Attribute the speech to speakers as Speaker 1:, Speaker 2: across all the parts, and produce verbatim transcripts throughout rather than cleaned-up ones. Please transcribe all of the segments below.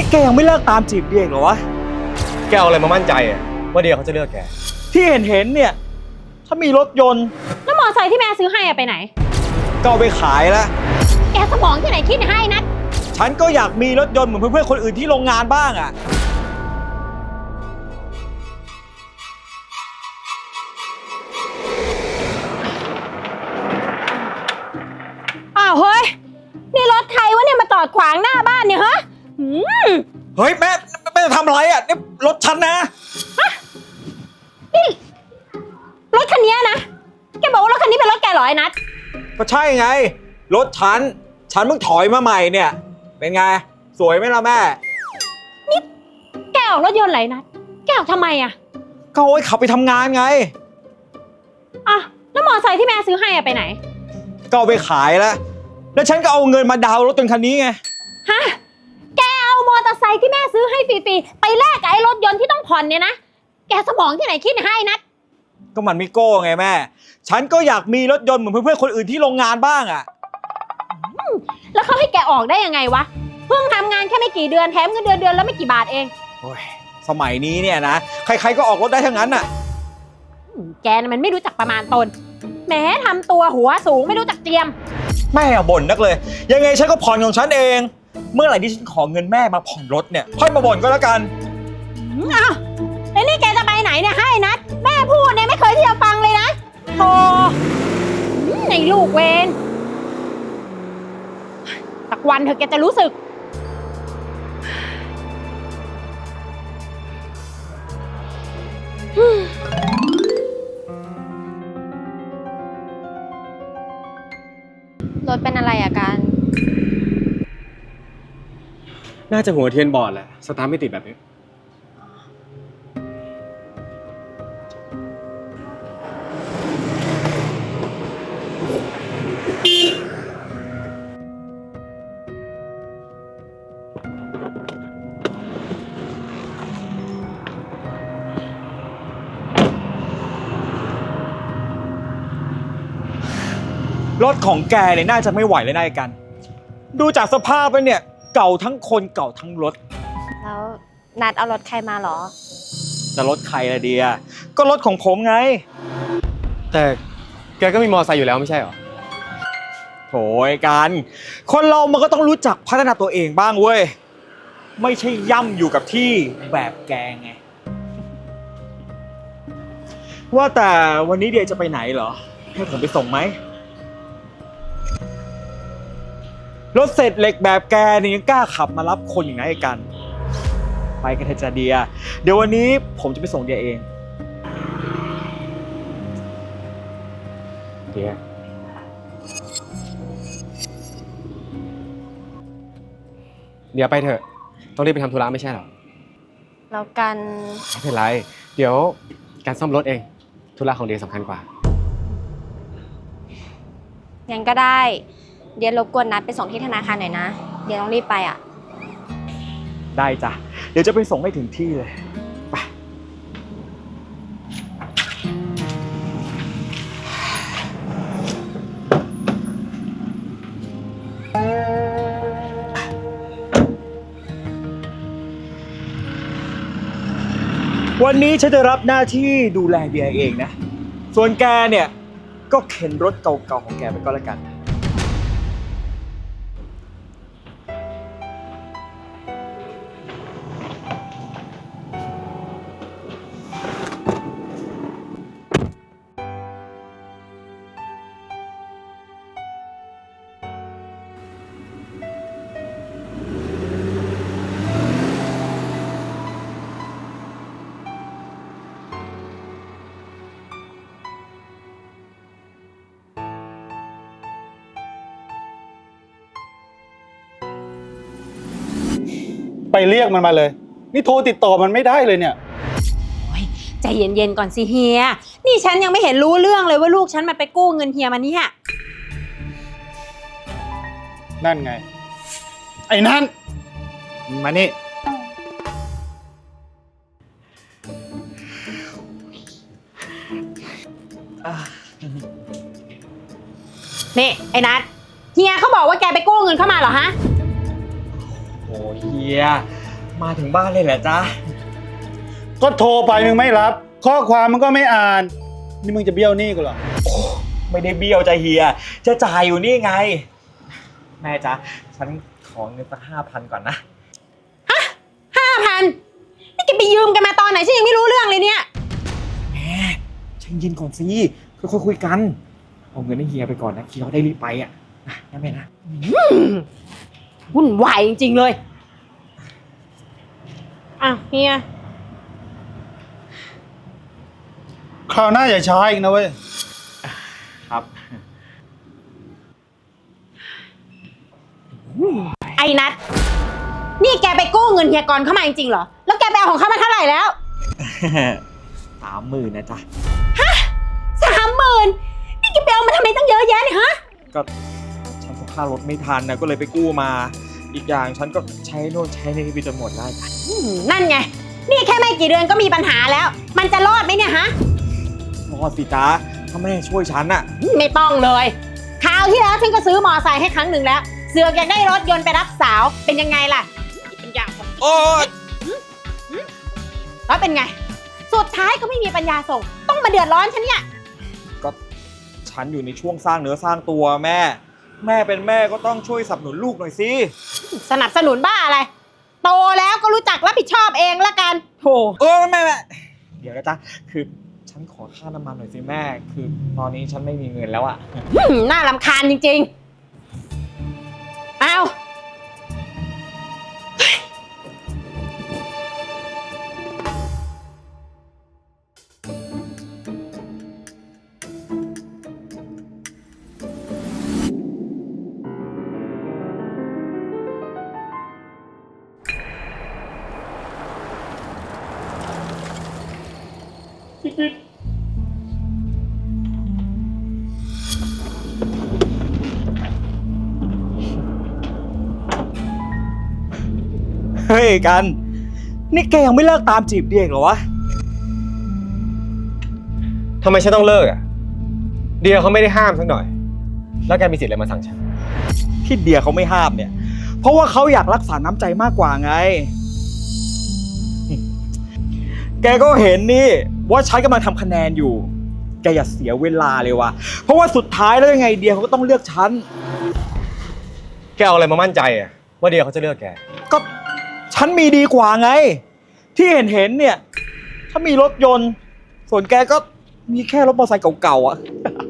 Speaker 1: แกยังไม่เลิกตามจีบเดียเหรอวะ
Speaker 2: แกเอาอะไรมามั่นใจอะว่าเดียเขาจะเลือกแก
Speaker 1: ที่เห็นเห็นเนี่ยถ้ามีรถยนต์
Speaker 3: แล้วมอไซค์ที่แม่ซื้อให้อะไปไหน
Speaker 1: ก็เอาไปขายแล้ว
Speaker 3: แกสมองที่ไหนคิดให้นัด
Speaker 1: ฉันก็อยากมีรถยนต์เหมือนเพื่อนๆคนอื่นที่โรงงานบ้างอะ
Speaker 3: อ้าวเฮ้ยนี่รถใครวะเนี่ยมาจอดขวางหน้าบ้านเนี่ยฮะ
Speaker 1: เฮ้ยแม่แม่จะทำอะไรอ่ะนี่รถฉันนะ
Speaker 3: ฮะนี่รถคันนี้นะแกบอกว่ารถคันนี้เป็นรถแกเหรอไอ้นัท
Speaker 1: ก็ใช่ไงรถฉันฉันเพิ่งถอยมาใหม่เนี่ยเป็นไงสวยไหมล่ะแม่
Speaker 3: นี่แกออกรถยนต์ไหนนัทแกออกทำไมอ่ะ
Speaker 1: ก็โอ้ยขับไปทำงานไง
Speaker 3: อ่ะแล้วมอไซค์ที่แม่ซื้อให้อะไปไหน
Speaker 1: ก็เอาไปขายแล้วแล้วฉันก็เอาเงินมาดาวน์รถยนต์คันนี้ไง
Speaker 3: ฮะแกเอามอเตอร์ไซค์ที่แม่ซื้อให้ฟรีๆไปแลกกับไอ้รถยนต์ที่ต้องผ่อนเนี่ยนะแกสมองที่ไหนคิดให้นัท
Speaker 1: ก็มันไม่โก้ไงแม่ฉันก็อยากมีรถยนต์เหมือนเพื่อนๆคนอื่นที่โรงงานบ้างอ่ะ
Speaker 3: แล้วเขาให้แกออกได้ยังไงวะเพิ่งทำงานแค่ไม่กี่เดือนแถมเงินเดือนเดือนแล้วไม่กี่บาทเอง
Speaker 1: โอ้ยสมัยนี้เนี่ยนะใครๆก็ออกรถได้ทั้งนั้นน่ะ
Speaker 3: แกน่ะมันไม่รู้จักประมาณตนแหมทำตัวหัวสูงไม่รู้จักเจียม
Speaker 1: แม่บ่นนักเลยยังไงฉันก็ผ่อนของฉันเองเมื่อไหร่ที่ฉันขอเงินแม่มาผ่อนรถเนี่ยค่อยมาบ่นก็แล้วกัน
Speaker 3: อ้าวแล้วนี่แกจะไปไหนเนี่ยให้นัดแม่พูดเนี่ยไม่เคยที่จะฟังเลยนะโธ่ในลูกเวนสักวันเธอแกจะรู้สึก
Speaker 4: รถเป็นอะไรอะกัน
Speaker 2: น่าจะหัวเทียนบอดแหละสตาร์ทไม่ติดแบบนี้
Speaker 1: รถของแกเนี่ยน่าจะไม่ไหวเลยนายกันดูจากสภาพไปเนี่ยเก่าทั้งคนเก่าทั้งรถ
Speaker 4: แล้วนัดเอารถใครมาหรอ
Speaker 1: จะรถใครละเดียก็รถของผมไง
Speaker 2: แต่แกก็มีมอเตอร์ไซค์อยู่แล้วไม่ใช่หรอ
Speaker 1: โถยกันคนเรามันก็ต้องรู้จักพัฒนาตัวเองบ้างเว้ยไม่ใช่ย่ำอยู่กับที่แบบแกไงว่าแต่วันนี้เดียจะไปไหนเหรอให้ผมไปส่งไหมรถเศษเหล็กแบบแกนี่ยังกล้าขับมารับคนอย่างไรกันไปกันเถอะจ้าเดียเดี๋ยววันนี้ผมจะไปส่งเดียเอง
Speaker 2: เดียเดี๋ยวไปเถอะต้องรีบไปทำธุระไม่ใช่หรอ
Speaker 4: แล้วกัน
Speaker 2: ไม่เป็นไรเดี๋ยวการซ่อมรถเองธุระของเดียสำคัญกว่า
Speaker 4: งั้นก็ได้เดี๋ยวรบกวนนัดไปส่งที่ธนาคารหน่อยนะเดี๋ยวต้องรีบไปอ่ะ
Speaker 1: ได้จ้ะเดี๋ยวจะไปส่งให้ถึงที่เลยไปวันนี้ฉันจะรับหน้าที่ดูแลเดียเองนะส่วนแกเนี่ยก็เข็นรถเก่าๆของแกไปก็แล้วกัน
Speaker 5: ไปเรียกมันมาเลยนี่โทรติดต่อมันไม่ได้เลยเนี่ย
Speaker 3: ใจเย็นๆก่อนสิเฮียนี่ฉันยังไม่เห็นรู้เรื่องเลยว่าลูกฉันมันไปกู้เงินเฮียมาเนี่ย
Speaker 5: นั่นไงไอ้นั่นมานี่
Speaker 3: นี่ไอ้นัทเฮียเขาบอกว่าแกไปกู้เงินเข้ามาเหรอฮะ
Speaker 1: โอ้เฮียมาถึงบ้านเลยแหละจ๊ะ
Speaker 5: ก็โทรไปมึงไม่รับ ข้อความมันก็ไม่อ่าน นี่มึงจะเบี้ยวหนี้กูเหรอ
Speaker 1: ไม่ได้เบี้ยวใจเฮีย จะจ่ายอยู่นี่ไง แม่จ๊ะ ฉันขอเงินสักห้าพันก่อนนะ
Speaker 3: ห้าพันนี่แกไปยืมกันมาตอนไหนฉันยังไม่รู้เรื่องเลยเนี่ย
Speaker 1: แม่ใจเย็นก่อนสิค่อยๆคุยกัน เอาเงินให้เฮียไปก่อนนะเฮียเขาได้รีบไปอ่ะนะนะแม่นะ
Speaker 3: วุ่นวายจริงๆเลยอ่ะเฮีย
Speaker 5: คราวหน้าอย่าช้าอีกนะเว้ย
Speaker 1: ครับ
Speaker 3: ไอ้นัทนี่แกไปกู้เงินเฮียกรเข้ามาจริงๆเหรอ แล้วแกไปเอาของเขามาเท่าไหร่แล้ว
Speaker 1: สามหมื่นนะจ๊ะ
Speaker 3: สามหมื่นนี่แกไปเอามาทำไมตั้งเยอะแยะเนี่ยฮะ
Speaker 1: ก็ฉันก็ค่ารถไม่ทันนะก็เลยไปกู้มา อีกอย่างฉันก็ใช้โน่นใช้นี่ไปจนหมดได้จ้ะ
Speaker 3: อืมนั่นไง นี่แค่ไม่กี่เดือนก็มีปัญหาแล้ว มันจะรอดไหมเนี่ยฮะ
Speaker 1: รอดสิจ๊ะถ้าแม่ช่วยฉันอะ
Speaker 3: ไม่ต้องเลย คราวที่แล้วฉันก็ซื้อมอไซค์ให้ครั้งหนึ่งแล้ว เสือกอยากได้รถยนต์ไปรับสาว เป็นยังไงล่ะเป็นอย่าง
Speaker 1: โอ๊ย
Speaker 3: แล้วเป็นไง สุดท้ายก็ไม่มีปัญญาส่ง ต้องมาเดือดร้อนฉันเนี่ย
Speaker 1: ก็ฉันอยู่ในช่วงสร้างเนื้อสร้างตัวแม่ แม่เป็นแม่ก็ต้องช่วยสนับสนุนลูกหน่อยสิ
Speaker 3: สนับสนุนบ้าอะไร โตแล้วก็รู้จักรับผิดชอบเองละกันโถ
Speaker 1: เออแม่แม่เดี๋ยวนะจ๊ะคือฉันขอค่าน้ำมันหน่อยสิแม่ คือตอนนี้ฉันไม่มีเงินแล้วอะ
Speaker 3: หืมน่ารำคาญจริงๆ เอา
Speaker 1: เฮ้ยกัน นี่แกยังไม่เลิกตามจีบเดียกเหรอวะ
Speaker 2: ทำไมฉันต้องเลิกอ่ะ เดียเขาไม่ได้ห้ามสักหน่อย แล้วแกมีสิทธิ์อะไรมาสั่งฉัน
Speaker 1: ที่เดียเขาไม่ห้ามเนี่ย เพราะว่าเขาอยากรักษาน้ำใจมากกว่าไง แกก็เห็นนี่ว่าฉันกำลังทำคะแนนอยู่ แกอย่าเสียเวลาเลยว่ะ เพราะว่าสุดท้ายแล้วยังไงเดียเขาก็ต้องเลือกฉัน
Speaker 2: แกเอาอะไรมามั่นใจอ่ะว่าเดียเขาจะเลือกแก
Speaker 1: ก็ฉันมีดีกว่าไง ที่เห็นเห็นๆเนี่ย ถ้ามีรถยนต์ ส่วนแกก็มีแค่รถมอเตอร์ไซค์เก่าๆอ่ะ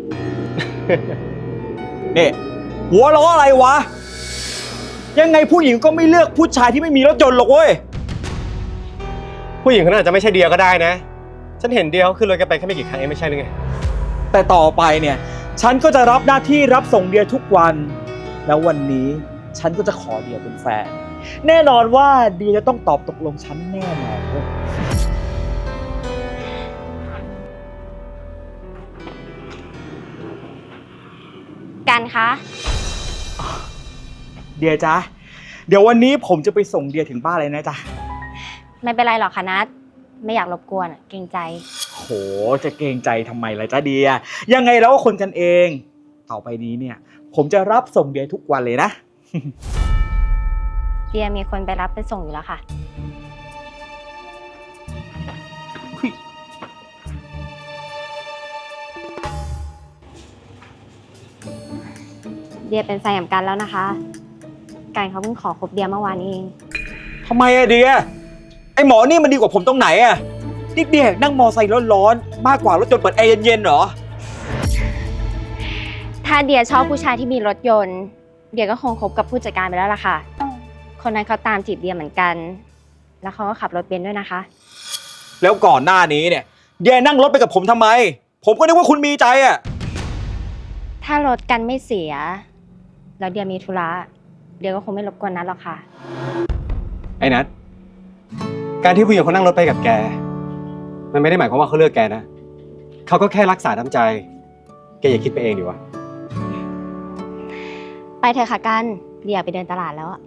Speaker 1: เนี่ยหัวล้ออะไรวะ ยังไงผู้หญิงก็ไม่เลือกผู้ชายที่ไม่มีรถยนต์หรอกเว้ย
Speaker 2: ผู้หญิงคนนั้นอาจจะไม่ใช่เดียก็ได้นะ ฉันเห็นเดียเขาขึ้นรถแกไปแค่ไม่กี่ครั้งเองไม่ใช่หรือไง
Speaker 1: แต่ต่อไปเนี่ย ฉันก็จะรับหน้าที่รับส่งเดียทุกวัน แล้ววันนี้ฉันก็จะขอเดียเป็นแฟน แน่นอนว่าเดียจะต้องตอบตกลงฉันแน่นอนเว้ย
Speaker 4: กันคะ
Speaker 1: เดียจ๊ะ เดี๋ยววันนี้ผมจะไปส่งเดียถึงบ้านเลยนะจ๊ะ
Speaker 4: ไม่เป็นไรหรอกค่ะนัทไม่อยากรบกวนอะเกรงใจ
Speaker 1: โห จะเกรงใจทำไมล่ะจ๊ะเดีย ยังไงแล้วก็คนกันเอง ต่อไปนี้เนี่ย ผมจะรับส่งเดียทุกวันเลยนะ
Speaker 4: เดียมีคนไปรับไปส่งอยู่แล้วค่ะ เดียเป็นแฟนกับกันแล้วนะคะ กันเขาเพิ่งขอคบเดียเมื่อวานนี้เอง
Speaker 1: ทำไมอะเดีย ไอหมอนี่มันดีกว่าผมตรงไหนอะนี่เดียนั่งมอไซค์ร้อนๆมากกว่ารถยนต์เปิดแอร์เย็นๆเหรอ
Speaker 4: ถ้าเดียชอบผู้ชายที่มีรถยนต์ เดียก็คงคบกับผู้จัดการไปแล้วล่ะค่ะ คนนั้นเขาตามจีบเดียเหมือนกัน แล้วเขาก็ขับรถเบนซ์ด้วยนะคะ
Speaker 1: แล้วก่อนหน้านี้เนี่ย เดียนั่งรถไปกับผมทำไม ผมก็นึกว่าคุณมีใจอะ
Speaker 4: ถ้ารถกันไม่เสีย แล้วเดียมีธุระ เดียก็คงไม่รบกวนนัทหรอกค่ะ
Speaker 2: ไอ้นัทการที่ผู้หญิงเขานั่งรถไปกับแก มันไม่ได้หมายความว่าเขาเลือกแกนะ เขาก็แค่รักษาน้ำใจ แกอย่าคิดไปเองดิวะ
Speaker 4: ไปเถอะค่ะกัน เดียไปเดินตลาดแล้วอะ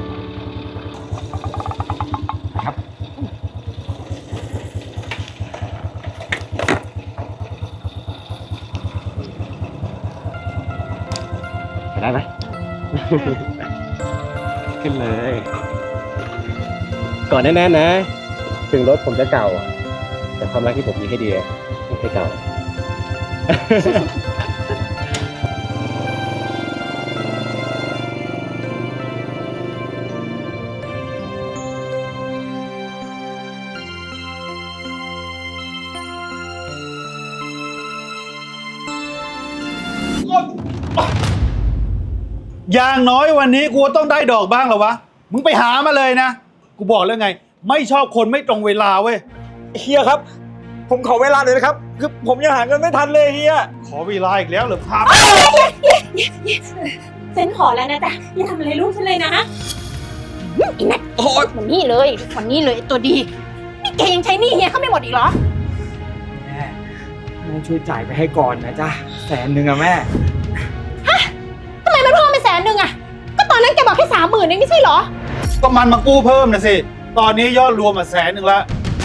Speaker 1: ค
Speaker 2: ได้ไหม ขึ้นเลย ก่อนแน่ๆนะ ถึงรถผมจะเก่าอะแต่ความรักที่ผมมีให้เดียไม่เคยเก่า
Speaker 5: อย่างน้อยวันนี้กูต้องได้ดอกบ้างเหรอวะ มึงไปหามาเลยนะ กูบอกแล้วไง ไม่ชอบคนไม่ตรงเวลาเว้ย
Speaker 1: เฮียครับ ผมขอเวลาหน่อยนะครับ คือผมยังหาเงินไม่ทันเลยเฮีย
Speaker 5: ขอเวลาอีกแล้วเหรอครับ
Speaker 3: ฉันขอแล้วนะจ๊ะอย่าทำอะไรลูกฉันเลยนะไอ้นัท
Speaker 1: โอ้ย
Speaker 3: มันนี่เลยมันนี่เลยไอ้ตัวดี นี่แกยังใช้หนี้เฮียเขาไม่หมดอีกเหรอ
Speaker 1: แม่แม่ช่วยจ่ายไปให้ก่อนนะจ๊ะแสนหนึ่งอะแม่
Speaker 3: ทำไมมันเพิ่มเป็นแสนหนึ่งอะก็ตอนนั้นแกบอกแค่สามหมื่นเองไม่ใช่เหรอ
Speaker 5: ก็มันมากู้เพิ่มนะสิ ตอนนี้ยอดรวมมาแสนหนึ่งละ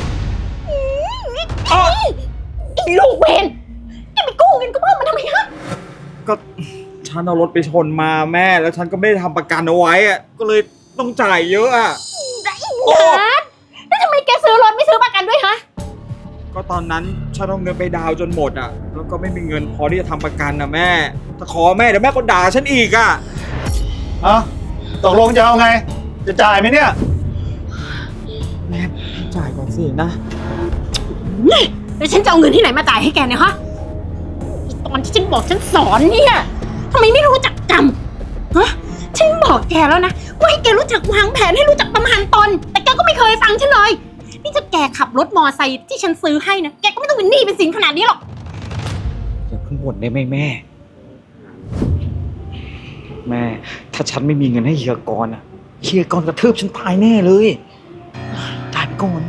Speaker 3: ไอ้ลูกเวนแกไปกู้เงินก็เพิ่มมันทำไมฮะ
Speaker 1: ก็ฉันเอารถไปชนมาแม่ แล้วฉันก็ไม่ได้ทำประกันเอาไว้อะก็เลยต้องจ่ายเยอะอะ โอ้
Speaker 3: นัทแล้วทำไมแกซื้อรถไม่ซื้อประกันด้วยฮะ
Speaker 1: ก็ตอนนั้นฉันเอาเงินไปดาวน์จนหมดอะแล้วก็ไม่มีเงินพอที่จะทำประกันนะแม่ถ้าขอแม่เดี๋ยวแม่ก็ด่าฉันอีกอะ
Speaker 5: อ่ะตกลงจะเอาไง จะจ่ายไหมเนี่ย
Speaker 1: แม่จ่ายก่อนสินะ
Speaker 3: นี่แล้วฉันจะเอาเงินที่ไหนมาจ่ายให้แกเนี่ยฮะตอนที่ฉันบอกฉันสอนเนี่ยทำไมไม่รู้จักจำฮะฉันบอกแกแล้วนะว่าให้แกรู้จักวางแผนให้รู้จักประมาณตน แต่แกก็ไม่เคยฟังฉันเลยนี่ถ้าแกขับรถมอไซค์ที่ฉันซื้อให้นะแกก็ไม่ต้องเป็นหนี้เป็นสินขนาดนี้หรอก
Speaker 1: อย่าเพิ่งบ่นได้ไหมแม่ แม่ ถ้าฉันไม่มีเงินให้เฮียกรณ์อะเฮียกรณ์กระทืบฉันตายแน่เลยจ่ายไปก่อน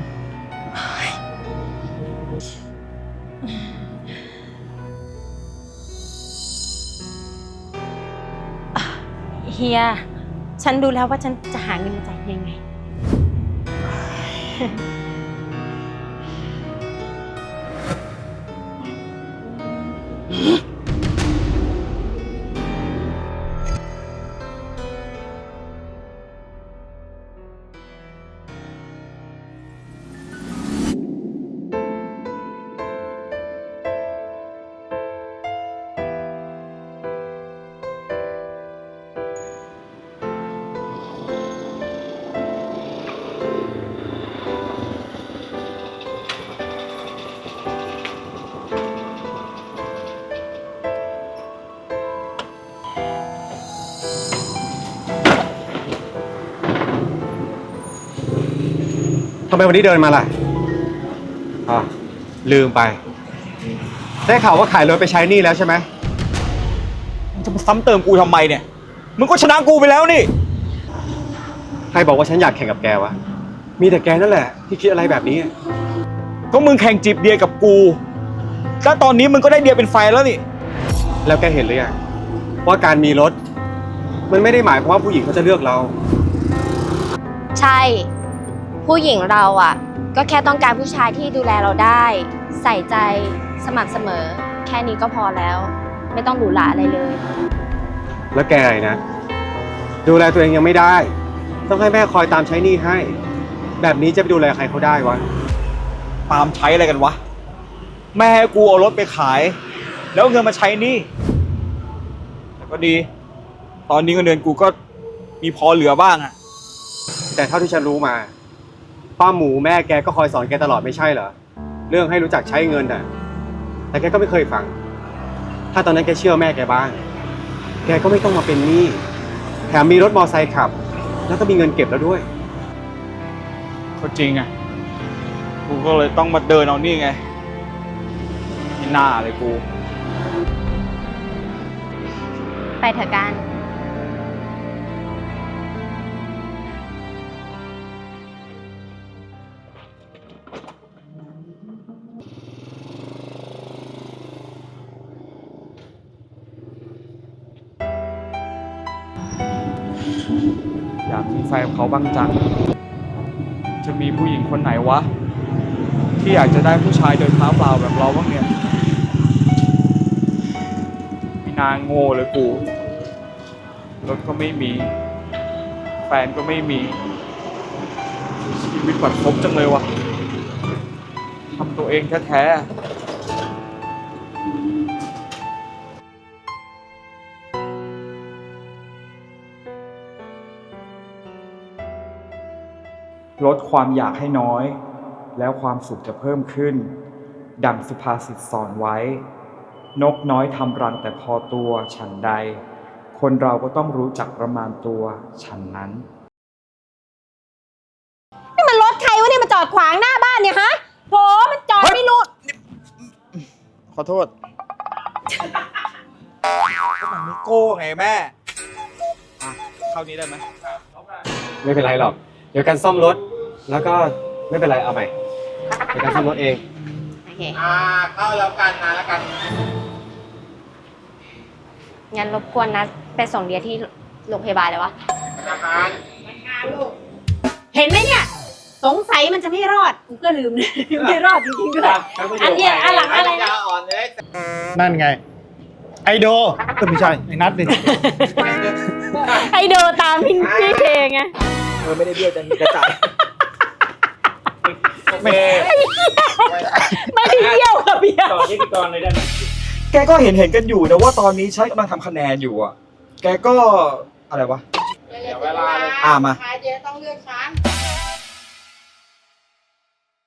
Speaker 3: เฮียฉันดูแล้วว่าฉันจะหาเงินมาจ่ายยังไง
Speaker 2: ทำไมวันนี้เดินมาล่ะอ๋อลืมไป ได้ข่าวว่าขายรถไปใช้หนี้แล้วใช่ไหม
Speaker 1: มึงจะมาซ้ำเติมกูทำไมเนี่ย มึงก็ชนะกูไปแล้วนี่
Speaker 2: ใครบอกว่าฉันอยากแข่งกับแกวะ มีแต่แกนั่นแหละที่คิดอะไรแบบนี้
Speaker 1: ก็มึงแข่งจีบเดียกับกู แล้วตอนนี้มึงก็ได้เดียเป็นแฟนแล้วนี่
Speaker 2: แล้วแกเห็นหรือยังว่าการมีรถ มันไม่ได้หมายความว่าผู้หญิงเขาจะเลือกเรา
Speaker 4: ใช่ ผู้หญิงเราอ่ะ ก็แค่ต้องการผู้ชายที่ดูแลเราได้ ใส่ใจสม่ำเสมอ แค่นี้ก็พอแล้ว ไม่ต้องหรูหราอะไรเลย
Speaker 2: แล้วแกไอ้นะ ดูแลตัวเองยังไม่ได้ ต้องให้แม่คอยตามใช้หนี้ให้ แบบนี้จะไปดูแลใครเขาได้วะ
Speaker 1: ตามใช้อะไรกันวะ แม่ให้กูเอารถไปขาย แล้วเอาเงินมาใช้หนี่แต่ก็ดี ตอนนี้เงินเดือนกูก็มีพอเหลือบ้างอะ
Speaker 2: แต่เท่าที่ฉันรู้มา ป้าหมูแม่แกก็คอยสอนแกตลอดไม่ใช่เหรอ เรื่องให้รู้จักใช้เงินน่ะ แต่แกก็ไม่เคยฟัง ถ้าตอนนั้นแกเชื่อแม่แกบ้าง แกก็ไม่ต้องมาเป็นหนี้ แถมมีรถมอไซค์ขับ แล้วก็มีเงินเก็บแล้วด้วย
Speaker 1: ก็จริงอะกูก็เลยต้องมาเดินเอานี่ไงนี่หน้าเลยกู
Speaker 4: ไปเถอะกัน
Speaker 1: อยากมีแฟนกับเขาบ้างจัง จะมีผู้หญิงคนไหนวะ ที่อยากจะได้ผู้ชายเดินเท้าเปล่าแบบเราบ้างเนี่ยไม่นางโง่เลยกูรถก็ไม่มี แฟนก็ไม่มี ชีวิตบัดซบจังเลยวะทำตัวเองแท้ๆลดความอยากให้น้อย แล้วความสุขจะเพิ่มขึ้น ดังสุภาษิตสอนไว้ นกน้อยทำรังแต่พอตัวฉันใด คนเราก็ต้องรู้จักประมาณตัวฉันนั้น
Speaker 3: นี่มันรถใครวะเนี่ยมาจอดขวางหน้าบ้านเนี่ยฮะโหมันจอดไม่รู้
Speaker 1: ขอโทษก็มันไม่โก้ไงแม่อ่ะเข้านี้ได้ไหม
Speaker 2: ไม่เป็นไรหรอก เดี๋ยวกันซ่อมรถ แล้วก็ไม่เป็นไรเอาใหม่ เดี๋ยวกันซ่อมรถเอง
Speaker 3: โอเค
Speaker 2: อ่า เข้าแล้วกันนะแล้วกัน
Speaker 4: งั้นรบกวนนะไปส่งเดียที่โรงพยาบาลเลยวะ
Speaker 3: เห็นไหมเนี่ย สงสัยมันจะไม่รอดกูก็ลืม ไม่รอดจริงๆด้วยอันเนี้ยอันหลังอะไรนะ
Speaker 5: นั่นไง ไอโดก็ไม่ใช่ไอ้นัทนี่
Speaker 3: ไอโดตามพี่พี่เพลงไง
Speaker 1: เออไม่ได้เบี้ยวจะมีกระจายไม่
Speaker 3: ไม่ได้เที่ยวกับเบียร์
Speaker 1: ต่อที่ตอนเลยได้ไหมแกก็เห็นเห็นกันอยู่นะว่าตอนนี้ใช้กำลังทำคะแนนอยู่อ่ะ แกก็อะไรวะ
Speaker 6: เดี๋ยวเวลาเลย
Speaker 1: อ่ามา
Speaker 6: ใครเจ๊ต้องเลือกฉัน